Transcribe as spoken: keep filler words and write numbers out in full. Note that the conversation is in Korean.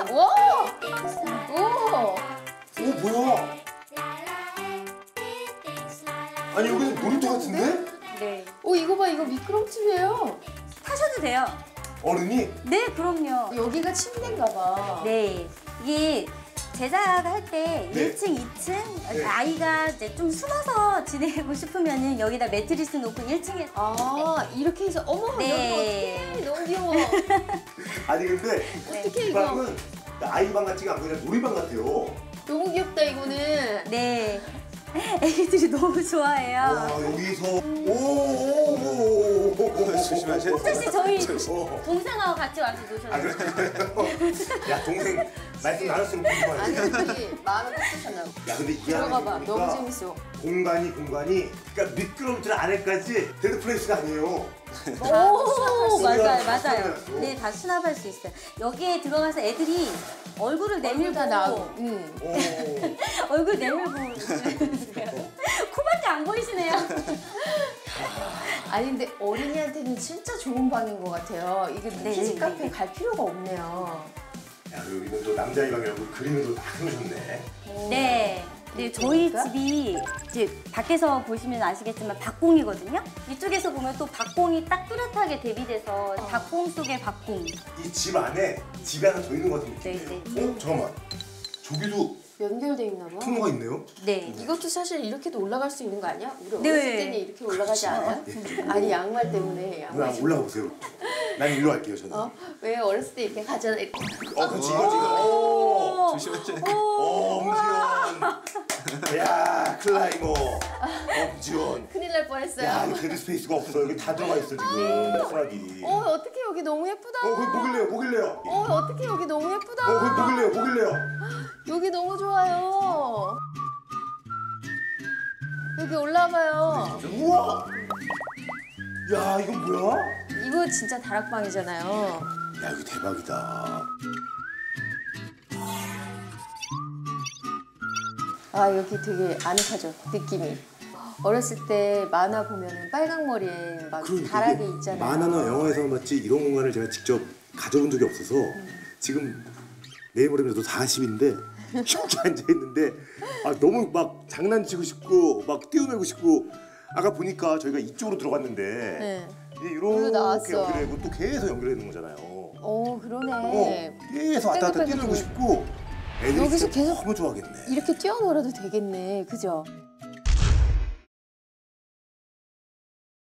와! 오! 오 뭐야? 아니 여기서 놀이터 같은데? 네. 오, 이거 봐, 이거 미끄럼틀이에요. 타셔도 돼요. 어른이? 네, 그럼요. 여기가 침대인가 봐. 네. 이게 제작을 할 때 네. 일 층, 이 층 네. 아이가 이제 좀 숨어서 지내고 싶으면은 여기다 매트리스 놓고 일 층에 아, 이렇게 해서 어머, 네. 여기 어떡해. 너무 귀여워. 아니 근데 어떡해, 이 이거. 방은 아이방 같지가 않고 그냥 놀이방 같아요. 너무 귀엽다, 이거는. 네. 애기들이 너무 좋아해요. 와 여기서 오오오오 조심하세요. 혹시 씨 저희 어. 동생하고 같이 와서 아 노셨어요? 그래요? 야 동생 말씀 나눴으면 궁금하네. 아니, 저기 마음을 꽂으셨나 봐. 야 근데 이 들어가 안에 봐. 보니까 너무 재밌어. 공간이 공간이 그러니까 미끄럼틀 안에까지 데드플레이스가 아니에요. 오, 맞아요, 맞아요. 수납할 네, 다 수납할 수 있어요. 여기에 들어가서 애들이 얼굴을 내밀고 다 나오고. 응. 오. 얼굴 내밀고 코밖에 안 보이시네요. 아니, 근데 어린이한테는 진짜 좋은 방인 것 같아요. 이게 네, 키즈 네, 카페 네. 갈 필요가 없네요. 야 여기는 또 남자의 방이라고 그림을 또 다 그려줬네. 네. 네, 저희 그러니까? 집이 이제 밖에서 보시면 아시겠지만 박공이거든요. 이쪽에서 보면 또 박공이 딱 뚜렷하게 대비돼서 박공 속의 박공. 이 집 안에 집이 하나 더 있는 것 같은 느낌이에요. 네, 어 잠깐만. 저기도 연결돼 있나 봐. 통로가 있네요. 네. 이것도 사실 이렇게도 올라갈 수 있는 거 아니야? 우리 네. 어렸을 때는 이렇게 올라가지 않아요? 아니, 양말 때문에. 누나 양말 올라가 보세요. 난 일로 갈게요 저는. 어? 왜 어렸을 때 이렇게 가잖아. 어, 그렇지, 이거지, 이거. 오! 조심하세요. 오, 엄지원. 야, 클라이머. 엄지원. 큰일 날 뻔했어요. 야, 이거 데드 스페이스가 없어. 여기 다 들어가 있어, 지금. 수락이. 어, 어떻게 여기 너무 예쁘다. 어, 거기 뭐길래요, 뭐길래요? 어, 어떻게 여기 너무 예쁘다. 어, 거기 뭐길래요, 뭐길래요? 여기 너무 좋아요. 여기 올라와봐요. 우와! 야, 이건 뭐야? 이거 진짜 다락방이잖아요. 야, 이거 대박이다. 아, 여기 되게 아늑하죠, 느낌이. 어렸을 때 만화 보면은 빨강 머리에 막 그러니까 다락이 이게 있잖아요. 만화나 영화에서만 봤지 이런 공간을 제가 직접 가져본 적이 없어서 지금 내일 모레면 사십인데 이렇게 앉아있는데 아, 너무 막 장난치고 싶고 막 뛰어놀고 싶고 아까 보니까 저희가 이쪽으로 들어갔는데 네. 이게 여기로 이렇게 나왔어. 연결되고 또 계속 연결되는 거잖아요. 어, 그러네. 어, 계속 왔다 갔다 뺑글뺑글 뛰어놀고 싶고 애들이 여기서 진짜 계속 너무 좋아하겠네. 이렇게 뛰어놀아도 되겠네, 그죠?